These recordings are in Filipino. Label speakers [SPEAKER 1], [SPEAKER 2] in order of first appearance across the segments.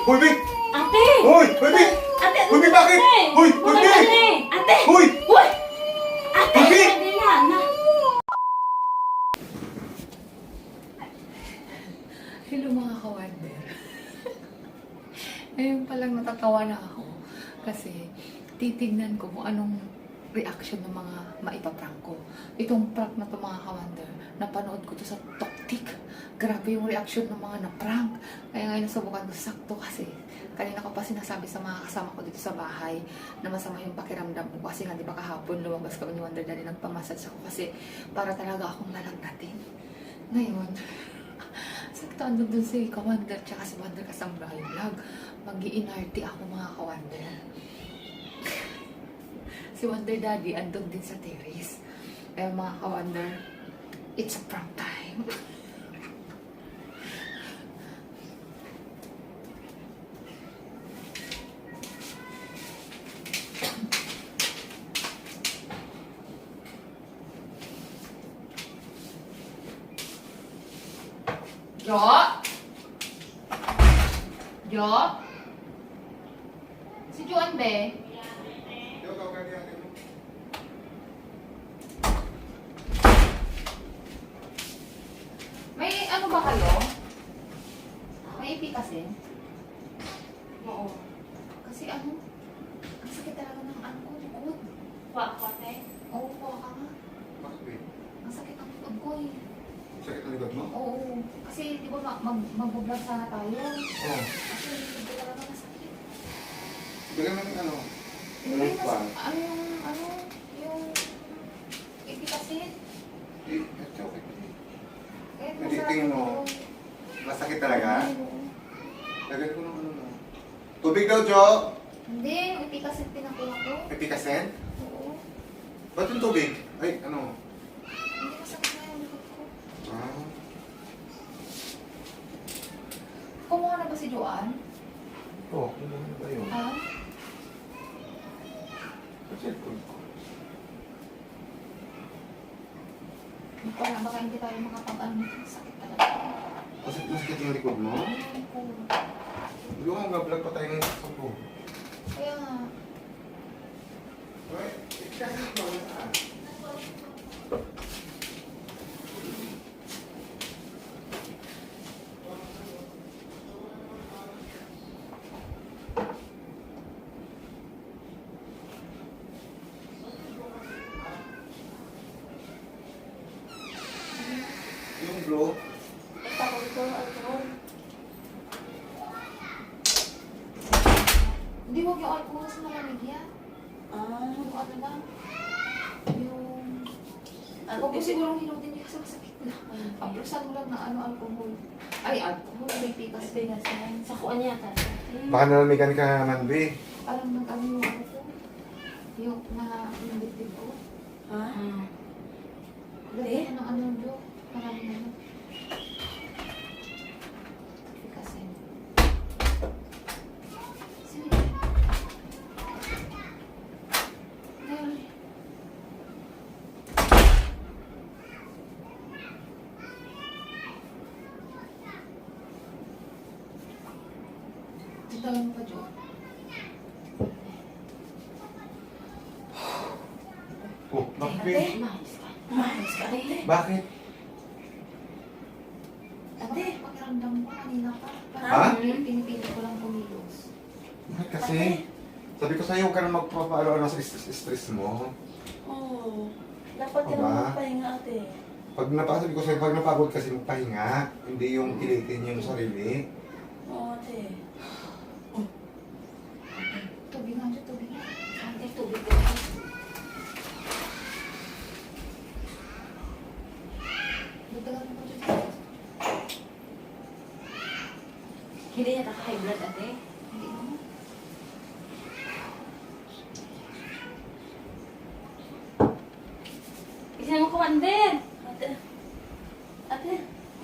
[SPEAKER 1] Hoy, Vic!
[SPEAKER 2] Ate!
[SPEAKER 1] Hoy! Hoy, Vic!
[SPEAKER 2] Ate!
[SPEAKER 1] Hoy, Vic, bakit? Hoy! Hoy, Vic!
[SPEAKER 2] Ate!
[SPEAKER 1] Hoy!
[SPEAKER 2] Hoy! Ate!
[SPEAKER 1] Hoy, Vic!
[SPEAKER 2] Ate na, na!
[SPEAKER 3] Hello mga ka-wonder. Ngayon palang natatawa na ako kasi titignan ko kung anong reaction ng mga maipaprank ko. Itong prank na to mga ka-wonder, napanood ko to sa Toktik. Grabe yung reaction ng mga na-prank. Kaya ngayon nasubukan ko sakto kasi kanina ko pa sinasabi sa mga kasama ko dito sa bahay na masama yung pakiramdam ko kasi nga di ba kahapon lumabas kami ni Wonder Daddy, nagpamassage ako kasi para talaga akong lalagnatin. Ngayon, sakto andun dun si Ka-Wonder tsaka si Wonder Kasambay Vlog. Mag-i-inarty ako mga Ka-Wonder. Si Wonder Daddy andun din sa terrace. Kaya mga Ka-Wonder, it's a prank time. Jo? Jo? Si Juan be? May ano ba kayo? May ipi kasi?
[SPEAKER 2] Oo.
[SPEAKER 3] Kasi ano? Ang sakit talaga ng ano ko, likod.
[SPEAKER 2] Kuha ko, ate.
[SPEAKER 3] Oo, kuha ka nga.
[SPEAKER 1] Bakit, Vic?
[SPEAKER 3] Ang sakit ng likod ko eh.
[SPEAKER 1] Sakit ang likod mo?
[SPEAKER 3] Oo. Kasi di ba mag-vlog sana tayo?
[SPEAKER 1] Oo.
[SPEAKER 3] Kasi likod ko talaga masakit.
[SPEAKER 1] Bigyan namin ano?
[SPEAKER 3] Hindi,
[SPEAKER 1] Ano?
[SPEAKER 3] ano yung ipi kasi.
[SPEAKER 1] It's okay.
[SPEAKER 3] Kaya
[SPEAKER 1] Hindi,
[SPEAKER 3] masarap
[SPEAKER 1] tingin mo.
[SPEAKER 3] yung-
[SPEAKER 1] Masakit talaga?
[SPEAKER 3] Oo.
[SPEAKER 1] Lagay ko ng ano mo. Tubig daw, Jo!
[SPEAKER 3] Hindi, ipi kasi pinakuha ko.
[SPEAKER 1] Epikasen?
[SPEAKER 3] Oo.
[SPEAKER 1] Ba't yung tubig? Ay, ano?
[SPEAKER 3] Hindi masakit na yung likod ko.
[SPEAKER 1] Ah.
[SPEAKER 3] Kumuha na ba si Joanne?
[SPEAKER 1] Oo, ano ba yun?
[SPEAKER 3] Ha?
[SPEAKER 1] Cellphone ko.
[SPEAKER 3] Baka hindi tayo makapag-ano. Sakit talaga.
[SPEAKER 1] Masakit yung likod mo?
[SPEAKER 3] Ayun ko.
[SPEAKER 1] Hindi ko mag-vlog pa tayo ngayon sa sampo.
[SPEAKER 3] Kaya nga.
[SPEAKER 1] Ay, ikasin mo na saan? Yung blow.
[SPEAKER 3] Ipakul ko, alcohol. Hindi, huwag yung alcohol sa malamig yan. Yung ano lang. Yung... Huwag ko sigurong hinutin niya kasi masakit na. Abrusan mo lang na ano, alcohol. Ay, alcohol. May pikas.
[SPEAKER 2] Sa kuha niya, ate.
[SPEAKER 1] Baka nalamigan ka naman, Be.
[SPEAKER 3] Parang nag-ano yung ano ko. Yung yung dibdib ko.
[SPEAKER 2] Ha?
[SPEAKER 3] Lagyan ng ano yung blue. Maraming ano. Pikasin. Sige. Ayun. Titawin mo pa, Jo.
[SPEAKER 1] Oh, bakit, Be?
[SPEAKER 2] Mahis ka. Mahis ka, ate.
[SPEAKER 1] Bakit?
[SPEAKER 3] Ate, pakiramdam ko kanina pa.
[SPEAKER 1] Ha?
[SPEAKER 3] Pinipili ko lang kumilos.
[SPEAKER 1] Bakit kasi? Sabi ko sa'yo, huwag ka na magpapaalo sa stress mo.
[SPEAKER 2] Oo. Dapat ka
[SPEAKER 1] Aba.
[SPEAKER 2] naman magpahinga, ate.
[SPEAKER 1] Sabi ko sa'yo, pag napagod kasi magpahinga, hindi yung pilitin yung sarili.
[SPEAKER 2] Oo, ate.
[SPEAKER 3] Tubig nga dyan, tubig nga.
[SPEAKER 2] Ate, tubig ko.
[SPEAKER 3] Dagdagan mo pa dyan.
[SPEAKER 2] Hindi niya taka-high blood, ate.
[SPEAKER 3] Hindi mo.
[SPEAKER 2] Isa mo kumander. Ate. Ate.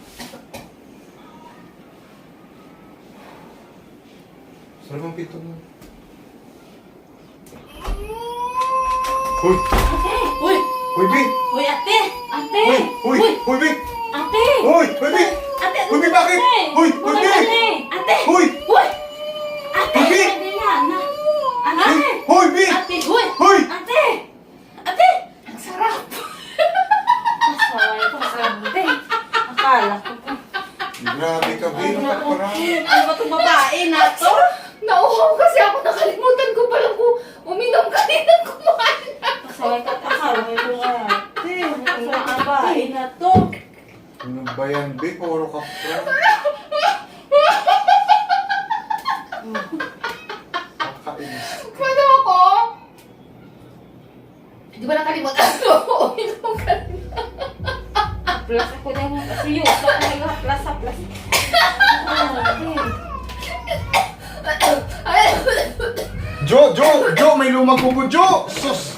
[SPEAKER 1] Sarap ang pito mo. Hoy!
[SPEAKER 2] Ate! Uy!
[SPEAKER 1] Hoy, Be!
[SPEAKER 2] Uy, ate! Ate!
[SPEAKER 1] Hoy! Hoy! Hoy, Be!
[SPEAKER 2] Ate!
[SPEAKER 1] Hoy! Hoy, Be!
[SPEAKER 2] Ate!
[SPEAKER 1] Hoy, Be, bakit?
[SPEAKER 2] Ate!
[SPEAKER 1] Hoy! Hoy, Be!
[SPEAKER 2] Ate!
[SPEAKER 1] Hoy!
[SPEAKER 2] Uy! Ano ba itong babae na to?
[SPEAKER 3] Nauhaw kasi ako, nakalimutan ko palang uminom kanina kumain na.
[SPEAKER 2] Kasaway ka kasaway ko ate. Ano ba babae na to?
[SPEAKER 1] Ano ba yan, be? Puro ka prank. Nakakainis.
[SPEAKER 3] Pwede ako? Di ba nakalimutan ko? Uminom kanina.
[SPEAKER 2] Plus ako na yung kasi yung sa kanila plus sa plus.
[SPEAKER 3] Ay,
[SPEAKER 1] Jo! May lumang kubo, Jo! Sus!